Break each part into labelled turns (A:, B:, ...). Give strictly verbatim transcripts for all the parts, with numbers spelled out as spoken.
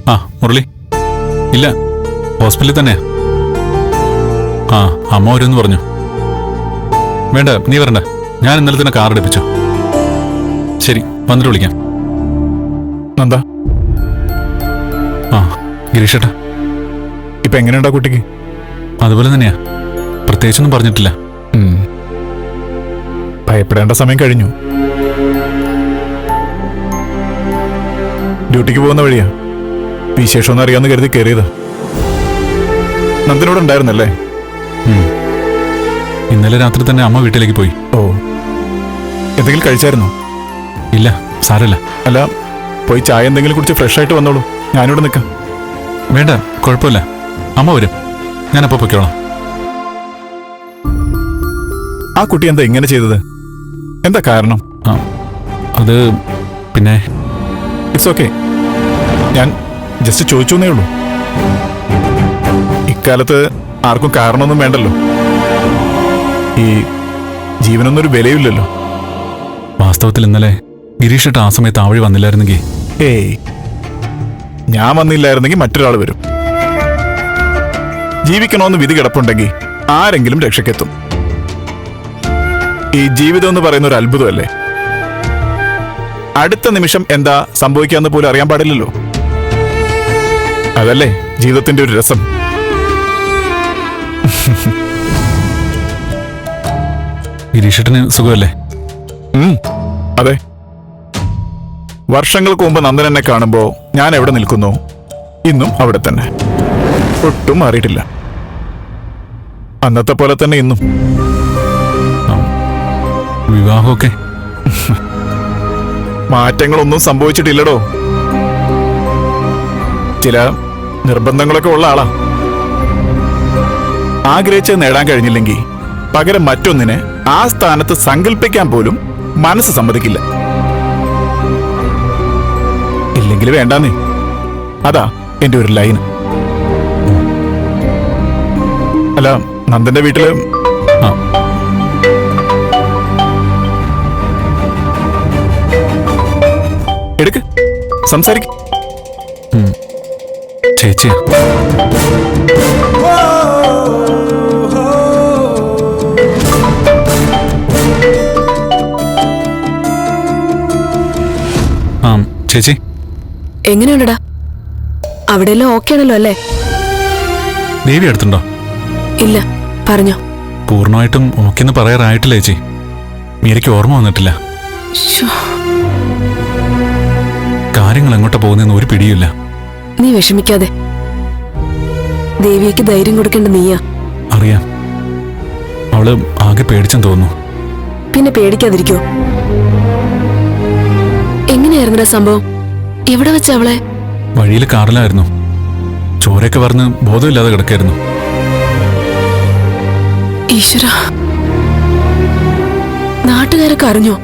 A: ആ മുരളി, ഇല്ല ഹോസ്പിറ്റലിൽ തന്നെയാ. ആ അമ്മ വരുമെന്ന് പറഞ്ഞു. വേണ്ട, നീ വരണ്ട, ഞാൻ ഇന്നലെ തന്നെ കാർ എടുപ്പിച്ചു. ശരി, വന്നിട്ട് വിളിക്കാം.
B: നന്ദ.
A: ആ ഗിരീഷേട്ടാ,
B: ഇപ്പൊ എങ്ങനെയുണ്ടാ കുട്ടിക്ക്?
A: അതുപോലെ തന്നെയാ, പ്രത്യേകിച്ചൊന്നും പറഞ്ഞിട്ടില്ല.
B: ഭയപ്പെടേണ്ട സമയം കഴിഞ്ഞു. ഡ്യൂട്ടിക്ക് പോകുന്ന വഴിയാ. വിശേഷമൊന്നും അറിയാമെന്ന് കരുതി കയറിയതാ. നന്ദനോട് ഉണ്ടായിരുന്നല്ലേ?
A: ഇന്നലെ രാത്രി തന്നെ അമ്മ വീട്ടിലേക്ക് പോയി.
B: ഓ, എന്തെങ്കിലും കഴിച്ചായിരുന്നോ?
A: ഇല്ല, സാരമില്ല.
B: അല്ല, പോയി ചായ എന്തെങ്കിലും കുടിച്ച് ഫ്രഷ് ആയിട്ട് വന്നോളൂ. ഞാനിവിടെ നിൽക്കാം.
A: വേണ്ട, കുഴപ്പമില്ല, അമ്മ വരും, ഞാനപ്പോ പൊയ്ക്കോളാം.
B: ആ കുട്ടി എന്താ ഇങ്ങനെ ചെയ്തത്? എന്താ കാരണം?
A: ആ അത് പിന്നെ
B: ഇറ്റ്സ് ഓക്കെ. ഞാൻ ജസ്റ്റ് ചോദിച്ചു എന്നേ ഉള്ളൂ. ഇക്കാലത്ത് ആർക്കും കാരണമൊന്നും വേണ്ടല്ലോ. ഈ ജീവനൊന്നൊരു വിലയില്ലല്ലോ.
A: വാസ്തവത്തിൽ ഇന്നലെ ഗിരീഷേട്ട ആ സമയത്ത് ആ വഴി വന്നില്ലായിരുന്നെങ്കിൽ.
B: ഏയ്, ഞാൻ വന്നില്ലായിരുന്നെങ്കിൽ മറ്റൊരാൾ വരും. ജീവിക്കണമെന്ന് വിധി കിടപ്പുണ്ടെങ്കിൽ ആരെങ്കിലും രക്ഷയ്ക്കെത്തും. ഈ ജീവിതം എന്ന് പറയുന്ന ഒരു അത്ഭുതമല്ലേ? അടുത്ത നിമിഷം എന്താ സംഭവിക്കാന്ന് പോലും അറിയാൻ പാടില്ലല്ലോ. അതല്ലേ ജീവിതത്തിന്റെ ഒരു രസം.
A: ഗിരീഷേട്ടന് സുഖമല്ലേ?
B: അതെ. വർഷങ്ങൾക്ക് മുമ്പ് നന്ദൻ എന്നെ കാണുമ്പോ ഞാൻ എവിടെ നിൽക്കുന്നു, ഇന്നും അവിടെ തന്നെ. ഒട്ടും മാറിയിട്ടില്ല. അന്നത്തെ പോലെ തന്നെ ഇന്നും.
A: വിവാഹമൊക്കെ
B: മാറ്റങ്ങളൊന്നും സംഭവിച്ചിട്ടില്ലടോ. ചില നിർബന്ധങ്ങളൊക്കെ ഉള്ള ആളാ. ആഗ്രഹിച്ച് നേടാൻ കഴിഞ്ഞില്ലെങ്കിൽ പകരം മറ്റൊന്നിനെ ആ സ്ഥാനത്ത് സങ്കല്പിക്കാൻ പോലും മനസ്സ് സമ്മതിക്കില്ല. ഇല്ലെങ്കിൽ വേണ്ടാന്നേ. അതാ എന്റെ ഒരു ലൈൻ. അല്ല, നന്ദന്റെ വീട്ടില് എടുക്ക്, സംസാരിക്ക.
A: ചേച്ചി ആ ചേച്ചി
C: എങ്ങനെയുണ്ടടാ? അവിടെയെല്ലാം ഓക്കെ ആണല്ലോ അല്ലേ?
A: ദേവി അടുത്തുണ്ടോ?
C: ഇല്ല, പറഞ്ഞോ.
A: പൂർണ്ണമായിട്ടും ഓക്കെന്ന് പറയാറായിട്ടില്ല ചേച്ചി. മീരയ്ക്ക് ഓർമ്മ വന്നിട്ടില്ല. കാര്യങ്ങൾ എങ്ങോട്ടാ പോകുന്നതെന്ന് ഒരു പിടിയില്ല.
C: നീ വിഷമിക്കാതെ. ദേവിയക്ക് ധൈര്യം കൊടുക്കേണ്ട നീയാ.
A: അറിയാം, അവള് ആകെ പേടിച്ചെന്ന് തോന്നുന്നു.
C: പിന്നെ പേടിക്കാതിരിക്കോ? എങ്ങനെയായിരുന്നടാ സംഭവം? എവിടെ വെച്ച അവളെ?
A: വഴിയിൽ കാറിലായിരുന്നു. ചോരയൊക്കെ പറഞ്ഞ് ബോധമില്ലാതെ കിടക്കായിരുന്നു.
C: ഈശ്വര, നാട്ടുകാരൊക്കെ അറിഞ്ഞോ?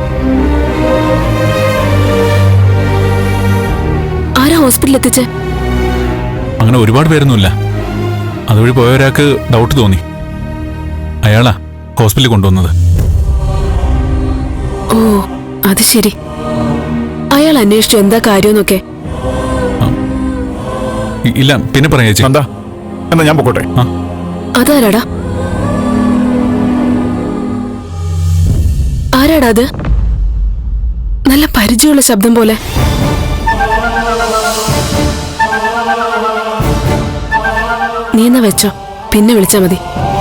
C: ആരാ ഹോസ്പിറ്റലിൽ എത്തിച്ചേ?
A: അങ്ങനെ ഒരുപാട് പേരൊന്നുമില്ല. അതുവഴി പോയ ഒരാൾക്ക് ഡൗട്ട് തോന്നി. അയാളാ ഹോസ്പിറ്റലിൽ കൊണ്ടുവന്നത്.
C: ഓ, അത് ശരി. അയാൾ അന്വേഷിച്ചു എന്താ കാര്യമെന്നൊക്കെ?
A: ഇല്ല, പിന്നെ പറയാ ചേച്ചി.
B: എന്താ എന്നാ ഞാൻ പൊക്കോട്ടെ.
C: അതാരാടാ? ആരാടാ അത്? നല്ല പരിചയമുള്ള ശബ്ദം പോലെ. നീ എന്നാ വെച്ചോ, പിന്നെ വിളിച്ചാ മതി.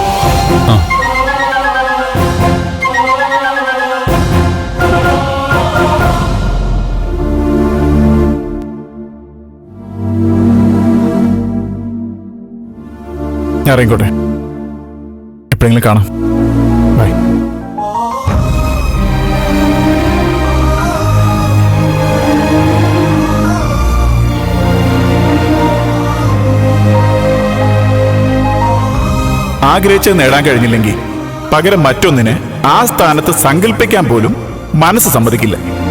B: ഞാൻ ഇറങ്ങിക്കോട്ടെ. എപ്പോഴെങ്കിലും കാണാം. ബൈ. ആഗ്രഹിച്ച് നേടാൻ കഴിഞ്ഞില്ലെങ്കിൽ പകരം മറ്റൊന്നിനെ ആ സ്ഥാനത്ത് സങ്കല്പിക്കാൻ പോലും മനസ്സ് സമ്മതിക്കില്ല.